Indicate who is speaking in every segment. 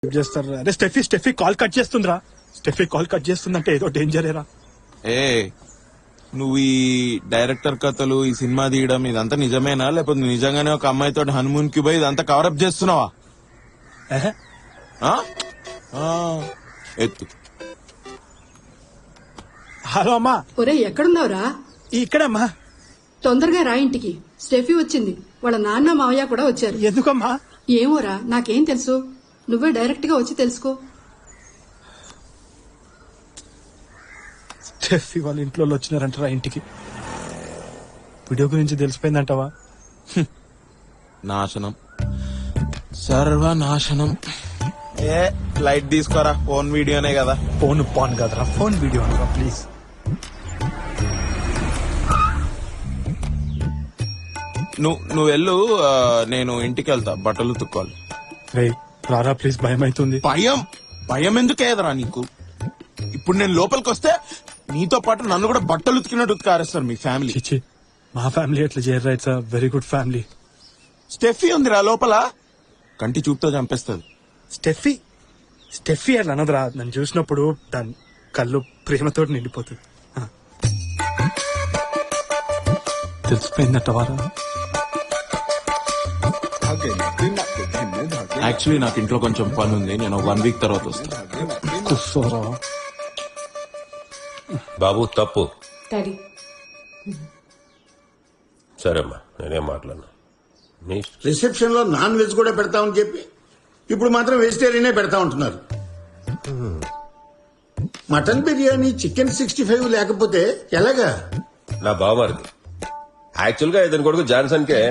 Speaker 1: చేస్తారు. అరే Steffi call cut చేస్తుందిరా. స్టెఫీ కాల్ కట్ చేస్తుందంటే ఏదో డేంజరేరా.
Speaker 2: ఏ నువ్వు ఈ డైరెక్టర్ కథలు ఈ సినిమా తీయడం ఇదంతా నిజమేనా, లేకపోతే నిజంగానే ఒక అమ్మాయితో హనుమూన్ కి పోయి ఇదంతా కవరప్ చేస్తున్నావా? ఆ? ఆ, ఎత్తు.
Speaker 1: హలో అమ్మా.
Speaker 3: ఒరే ఎక్కడున్నావురా?
Speaker 1: ఇక్కడమ్మా.
Speaker 3: తొందరగా రా ఇంటికి. స్టెఫీ వచ్చింది, వాళ్ళ నాన్న మావయ్య కూడా వచ్చారు.
Speaker 1: ఎందుకమ్మా?
Speaker 3: ఏమోరా, నాకేం తెలుసు, నువ్వే డైరెక్ట్ గా వచ్చి తెలుసుకో.
Speaker 1: స్టెఫీ వాళ్ళ ఇంట్లో వచ్చినారంటారా ఇంటికి? వీడియో గురించి తెలిసిపోయిందంటావా?
Speaker 2: నాశనం, సర్వనాశనం. ఏ లైట్ తీసుకోరా, ఫోన్ వీడియోనే కదా.
Speaker 1: ఫోన్ పాన్ కదరా, ఫోన్ వీడియో అనరా ప్లీజ్.
Speaker 2: నువ్వు వెళ్ళు, నేను ఇంటికి వెళ్తా, బట్టలు తుక్కోవాలి.
Speaker 1: రే రారా ప్లీజ్, భయం అవుతుంది.
Speaker 2: భయం ఎందుకేదరా నీకు? ఇప్పుడు నేను లోపలికి వస్తే నీతో పాటు నన్ను కూడా బట్టలు ఉతికినట్టు ఉతికారేస్తారు మీ ఫ్యామిలీ.
Speaker 1: చిచి, మా ఫ్యామిలీ ఎట్లా చేయరా? It's very good family.
Speaker 2: Steffi ఉందిరా లోపల, కంటి చూపుతో చంపేస్తుంది.
Speaker 1: స్టెఫీ అట్లా అనదురా. నన్ను చూసినప్పుడు దాని కళ్ళు ప్రేమతో నిండిపోతుంది. తెలిసిపోయిందట.
Speaker 2: యాక్చువల్లీ నాకు ఇంట్లో కొంచెం పని ఉంది, నేను 1 వీక్ తర్వాత వస్తాను.
Speaker 4: బాబు తప్పు.
Speaker 3: డాడీ
Speaker 4: సరేమ్మా, నేనేం మాట్లాడను.
Speaker 5: రిసెప్షన్ లో నాన్ వెజ్ కూడా పెడతామని చెప్పి ఇప్పుడు మాత్రం వెజిటేరియనే పెడతా ఉంటున్నారు. మటన్ బిర్యానీ, చికెన్ 65 లేకపోతే ఎలాగా?
Speaker 4: నా బావమరిది యాక్చువల్ గా ఇతని కొడుకు జాన్సన్ కే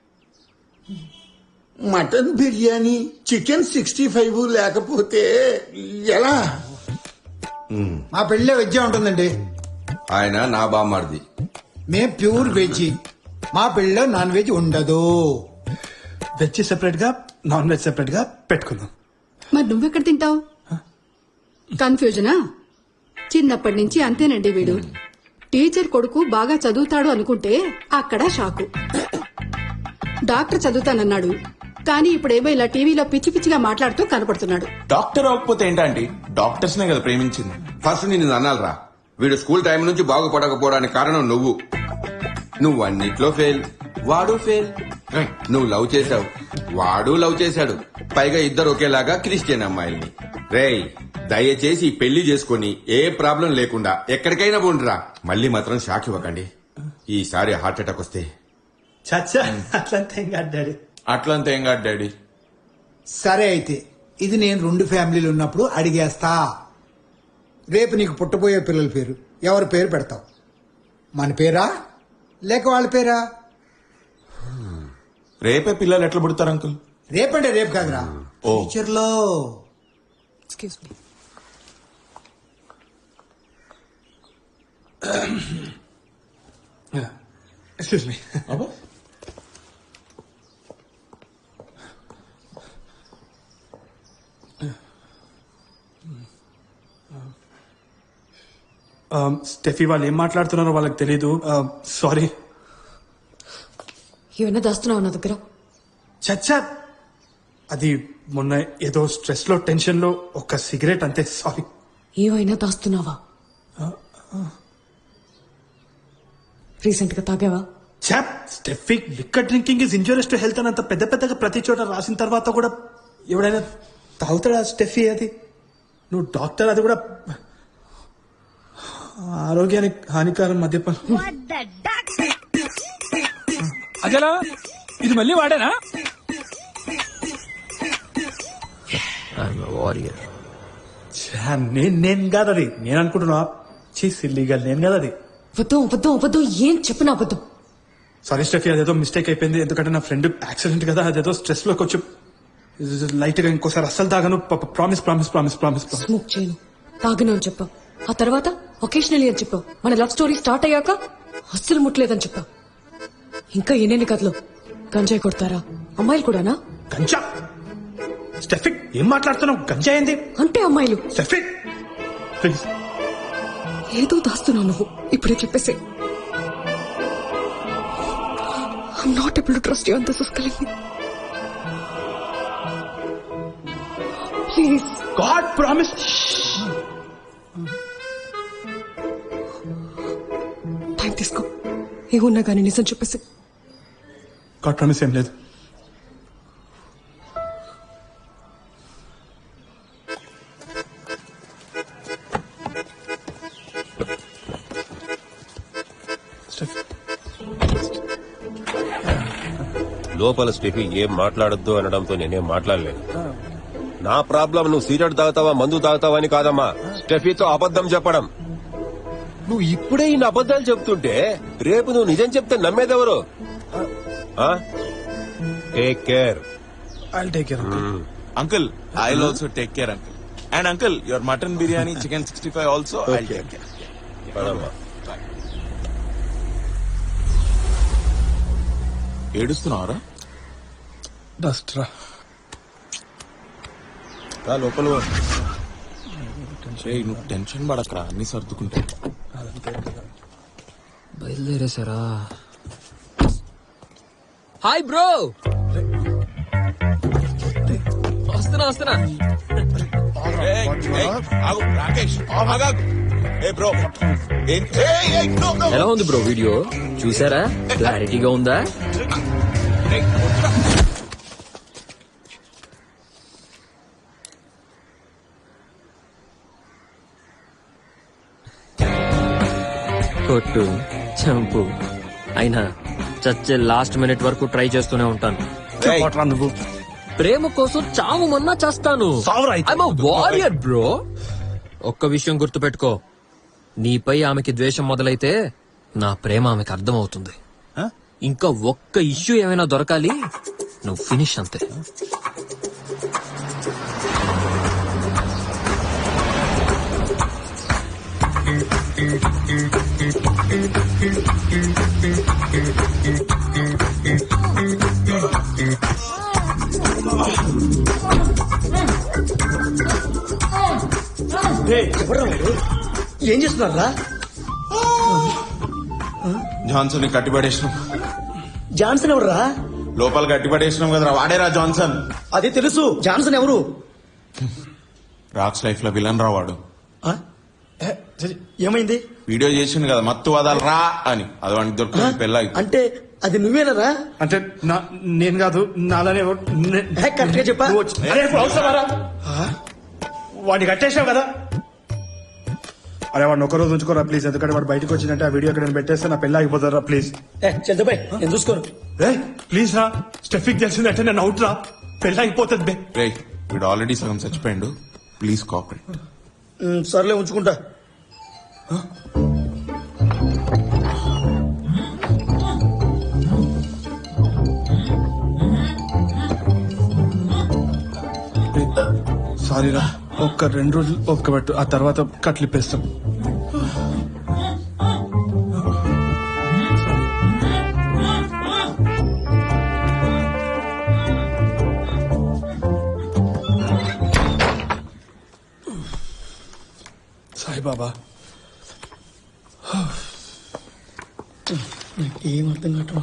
Speaker 5: మటన్ బిర్యానీ, చికెన్ 65 లేకపోతే ఎలా?
Speaker 6: మా పెళ్ళే వెజ్ ఉంటుందండి.
Speaker 7: ఆయన నా బామ్మర్ది.
Speaker 6: మేం ప్యూర్ వెజ్. మా పెళ్ళలో నాన్ వెజ్ ఉండదు.
Speaker 1: వెజ్ సెపరేట్ గా, నాన్ వెజ్ సెపరేట్ గా పెట్టుకుందాం.
Speaker 3: మరి నువ్వెక్కడ తింటావు? కన్ఫ్యూజనా? చిన్నప్పటి నుంచి అంతేనండి వీడు. టీచర్ కొడుకు బాగా చదువుతాడు అనుకుంటే అక్కడ షాకు. డాక్టర్ చదువుతానన్నాడు, కానీ ఇప్పుడేమో ఇలా టీవీలో పిచ్చి పిచ్చిగా మాట్లాడుతూ కనపడుతున్నాడు.
Speaker 2: డాక్టర్ అవ్వకపోతే ఏంటంటే డాక్టర్స్ నే కదా ప్రేమించింది.
Speaker 7: ఫస్ట్ నిన్ను అనాలరా, వీడు స్కూల్ టైం నుంచి బాగుపడకపోవడానికి కారణం నువ్వు అన్నిట్లో ఫెయిల్, వాడు ఫెయిల్. నువ్వు లవ్ చేశావు, వాడు లవ్ చేశాడు, పైగా ఇద్దరు ఒకేలాగా క్రిస్టియన్ అమ్మాయిల్ని. రేయ్ దయచేసి పెళ్లి చేసుకుని ఏ ప్రాబ్లం లేకుండా ఎక్కడికైనా పోండిరా. మళ్ళీ మాత్రం షాక్ ఇవ్వకండి. ఈసారి హార్ట్ అటాక్ వస్తే
Speaker 1: చచ్చా, అట్లంతా ఏం కాదు డాడీ.
Speaker 2: అట్లంతా ఏం కాదు డాడీ.
Speaker 6: సరే అయితే ఇది నేను 2 ఫ్యామిలీలు ఉన్నప్పుడు అడిగేస్తా. రేపు నీకు పుట్టబోయే పిల్లల పేరు ఎవరి పేరు పెడతావు? మన పేరా లేక వాళ్ళ పేరా?
Speaker 2: రేపే పిల్లలు ఎట్లా పుడతారు అంకుల్?
Speaker 6: రేపంటే రేపు కాదురా,
Speaker 2: ఓ.
Speaker 6: ఫ్యూచర్ లో.
Speaker 3: Excuse me.
Speaker 1: Excuse me. Steffi వాళ్ళు ఏం మాట్లాడుతున్నారో వాళ్ళకి తెలీదు. సారీ.
Speaker 8: ఏమైనా దాస్తున్నావు నా దగ్గర?
Speaker 1: చచ్చా, అది మొన్న ఏదో స్ట్రెస్ లో టెన్షన్ లో ఒక సిగరెట్ అంతే. సారీ.
Speaker 8: ఏమైనా దాస్తున్నావా? రీసెంట్ గా తాగావా?
Speaker 1: చాప్, Steffi liquor drinking is injurious to health అని అంత పెద్ద పెద్దగా ప్రతి చోట రాసిన తర్వాత కూడా ఎవడైనా తాగుతాడా స్టెఫీ? అది నువ్వు డాక్టర్, అది కూడా ఆరోగ్యానికి హానికరం మద్యపానం.
Speaker 9: అజలా, ఇది మళ్ళీ వాడేనా?
Speaker 1: నేను కాదు అది, నేను అనుకుంటున్నా. సిల్లీగా నేను కాదు అది.
Speaker 8: వద్దు ఏం చెప్పినా వద్దు.
Speaker 1: సారీ స్టెఫీ, అదేదో మిస్టేక్ అయిపోయింది. ఎందుకంటే నా ఫ్రెండ్ యాక్సిడెంట్ కదా, అదేదో స్ట్రెస్ లోకి వచ్చి లైట్ గా ఇంకోసారి అస్సలు తాగను. ప్రామిస్.
Speaker 8: స్మోక్ చేయను, తాగను అని చెప్పావు. ఆ తర్వాత ఒకేషనలీ అని చెప్పావు. మన లవ్ స్టోరీ స్టార్ట్ అయ్యాక అస్సలు ముట్టలేదని చెప్పావు. ఇంకా ఎన్నెన్ని కథలు. గంజాయి కొడతారా అమ్మాయిలు కూడానా?
Speaker 1: గంజా? స్టెఫీ ఏం మాట్లాడుతున్నావు? గంజా ఏంది
Speaker 8: అంటే అమ్మాయిలు.
Speaker 1: Steffi please.
Speaker 8: ఏదో దాస్తున్నావు నువ్వు, ఇప్పుడే చెప్పేసే. I'm not able to trust you and this is killing me. Please please.
Speaker 1: God promise.
Speaker 8: Time తీసుకో, ఏమున్నా కానీ నిజం చెప్పేసి.
Speaker 1: గాడ్ ప్రామిస్ ఏం లేదు.
Speaker 4: లోపల స్టెఫీ ఏం మాట్లాడొద్దు అనడంతో నేనేం మాట్లాడలేదు. నా ప్రాబ్లం నువ్వు సిగరెట్ తాగుతావా మందు తాగుతావా అని కాదమ్మా, స్టెఫీతో అబద్ధం చెప్పడం. నువ్వు ఇప్పుడే ఇన్ని అబద్ధాలు చెప్తుంటే రేపు నువ్వు నిజం చెప్తే నమ్మేదెవరు? Take care.
Speaker 1: I'll take care.
Speaker 2: Uncle I will also take care uncle. And uncle your mutton biryani chicken 65 also I will take care.
Speaker 4: పదమ్మా.
Speaker 2: ఏడుస్తున్నావరా?
Speaker 1: డస్ట్ రా.
Speaker 2: లోపల నువ్వు టెన్షన్ పడకరా, అన్ని సర్దుకుంటా.
Speaker 10: బయలుదేరేసారా? Hi bro. వస్తున్నా.
Speaker 2: రాకేష్ బ్రో,
Speaker 10: ఎలా ఉంది బ్రో వీడియో? చూసారా? క్లారిటీగా ఉందా? కొట్టు, చంపు, అయినా చచ్చే లాస్ట్ మినిట్ వరకు ట్రై చేస్తూనే ఉంటాను.
Speaker 1: నువ్వు
Speaker 10: ప్రేమ కోసం చావు మొన్నా చేస్తాను. Warrior bro. ఒక్క విషయం గుర్తుపెట్టుకో, నీపై ఆమెకి ద్వేషం మొదలైతే నా ప్రేమ ఆమెకి అర్థమవుతుంది. ఇంకా ఒక్క ఇష్యూ ఏమైనా దొరకాలి, నువ్వు ఫినిష్ అంతే.
Speaker 1: ఏం చేస్తున్నారా?
Speaker 2: జాన్సన్ కట్టిపడేసినాం.
Speaker 1: జాన్సన్ ఎవరురా?
Speaker 2: లోపల కట్టిపడేసినాం కదరా, వాడేరా జాన్సన్.
Speaker 1: అదే తెలుసు. జాన్సన్ ఎవరు?
Speaker 2: రాక్స్ లైఫ్ లో విలన్ రా వాడు.
Speaker 1: ఏమైంది?
Speaker 2: వీడియో చేసిండు కదా మత్తు వదలరా అని, అది వాడికి దొరుకుతుంది పెళ్ళాయి.
Speaker 1: అంటే అది నువ్వేనరా? అంటే నేను కాదు, నాలానే కరెక్ట్ గా చెప్పా. వాడిని కట్టేసావు కదా. అరే వాడిని ఒక రోజు ఉంచుకోరా ప్లీజ్, ఎందుకంటే వాడు బయటకు వచ్చినట్టే ఆ వీడియో ఇక్కడ పెట్టేస్తే నా పెళ్ళి ఆగిపోతారా ప్లీజ్. చంద్రబాయ్ నేను చూసుకోను. ప్లీజ్ రా, స్టెఫిక్ తెలిసిందంటే నేను అవుట్ రా, పెళ్ళి ఆగిపోతుంది బే.
Speaker 2: రే వీడు ఆల్రెడీ సగం చచ్చిపోయిండు, ప్లీజ్ కోఆపరేట్.
Speaker 1: సర్లే ఉంచుకుంటా. సారీరా, ఒక్క 2 రోజులు ఒక్క పెట్టు, ఆ తర్వాత కట్లిప్పేస్తాం. సాయిబాబా ఏం అర్థం కావట్లేదు.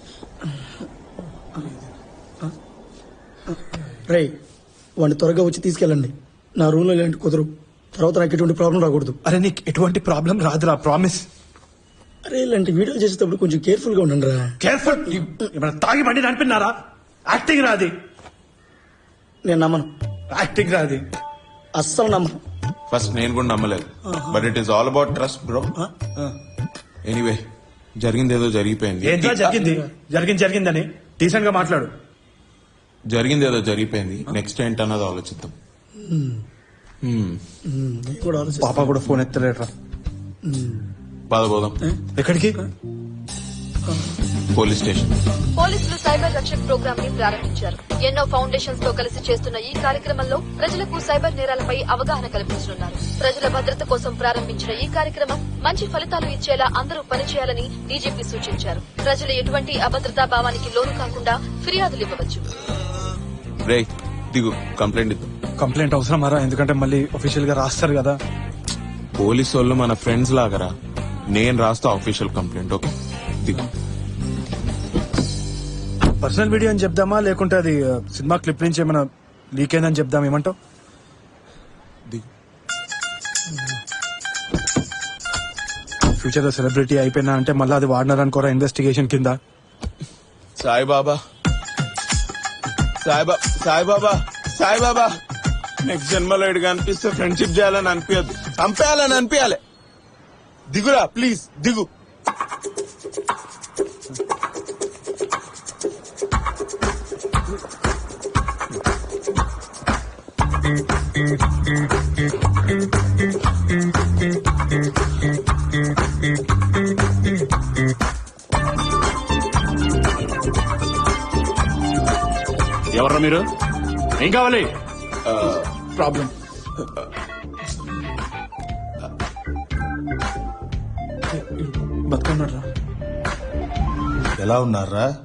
Speaker 1: రే వాడిని త్వరగా వచ్చి తీసుకెళ్ళండి. నా రూమ్ లో ఇలాంటి కుదరు, తర్వాత నాకు ఎటువంటి ప్రాబ్లం రాకూడదు. అరే నీకు ఎటువంటి ప్రాబ్లం రాదురా, ప్రామిస్. అరే ఇలాంటి వీడియోలు చేసేటప్పుడు కొంచెం కేర్ఫుల్ గా ఉండండి రా. కేర్ఫుల్? తాగి బండి నడిపినారా? యాక్టింగ్ రాది. నేను నమ్మను, యాక్టింగ్ రాది, అస్సలు నమ్మను.
Speaker 2: ఫస్ట్ నేను కూడా నమ్మలేదు, but it is all about trust bro. Anyway జరిగింది ఏదో జరిగిపోయింది. జరిగిందని డీసెంట్ గా మాట్లాడు. జరిగింది ఏదో జరిగిపోయింది, నెక్స్ట్ ఏంటన్నది ఆలోచిద్దాం. పాప కూడా ఫోన్ ఎత్తలేట్రా. పోదాం. ఎక్కడికి? Police station.
Speaker 11: పోలీసులు సైబర్ రక్షక్ ప్రోగ్రామ్ ని ప్రారంభించారు. ఎన్నో ఫౌండేషన్స్ తో కలిసి చేస్తున్న ఈ కార్యక్రమంలో ప్రజలకు సైబర్ నేరాలపై అవగాహన కల్పించనున్నారు. ప్రజల భద్రత కోసం ప్రారంభించిన ఈ కార్యక్రమం మంచి ఫలితాలు ఇచ్చేలా అందరూ పనిచేయాలని డీజీపీ సూచించారు. ప్రజలు ఎటువంటి అభద్రతా భావానికి లోను కాకుండా ఫిర్యాదులు ఇవ్వవచ్చు.
Speaker 2: రే దిగు, కంప్లైంట్ ఇద్దాం.
Speaker 1: కంప్లైంట్ అవసరం మరా, ఎందుకంటే మళ్ళీ అఫీషియల్ గా రాస్తారు కదా.
Speaker 2: పోలీసు వాళ్ళు మన ఫ్రెండ్స్ లాగరా, నేను రాస్తా అఫీషియల్ కంప్లైంట్. ఓకే దిగు.
Speaker 1: పర్సనల్ వీడియో అని చెప్దామా, లేకుంటే అది సినిమా క్లిప్ నుంచి ఏమైనా లీక్ అయిందని చెప్దాం, ఏమంటావు?
Speaker 9: ఫ్యూచర్ లో సెలబ్రిటీ అయిపోయినా అంటే మళ్ళీ అది వాడినారనుకోరా ఇన్వెస్టిగేషన్ కింద.
Speaker 2: సాయిబాబా సాయిబాబా సాయిబాబా నెక్స్ట్ జన్మలో ఇడిగా అనిపిస్తే ఫ్రెండ్షిప్ చేయాలని అనిపించదు, చంపేయాలని అనిపించాలి. దిగురా ప్లీజ్ దిగు.
Speaker 9: ఎవర్రా మీరు? ఏం కావాలి?
Speaker 1: ప్రాబ్లం
Speaker 9: బతుకున్నారా?
Speaker 12: ఎలా ఉన్నారా?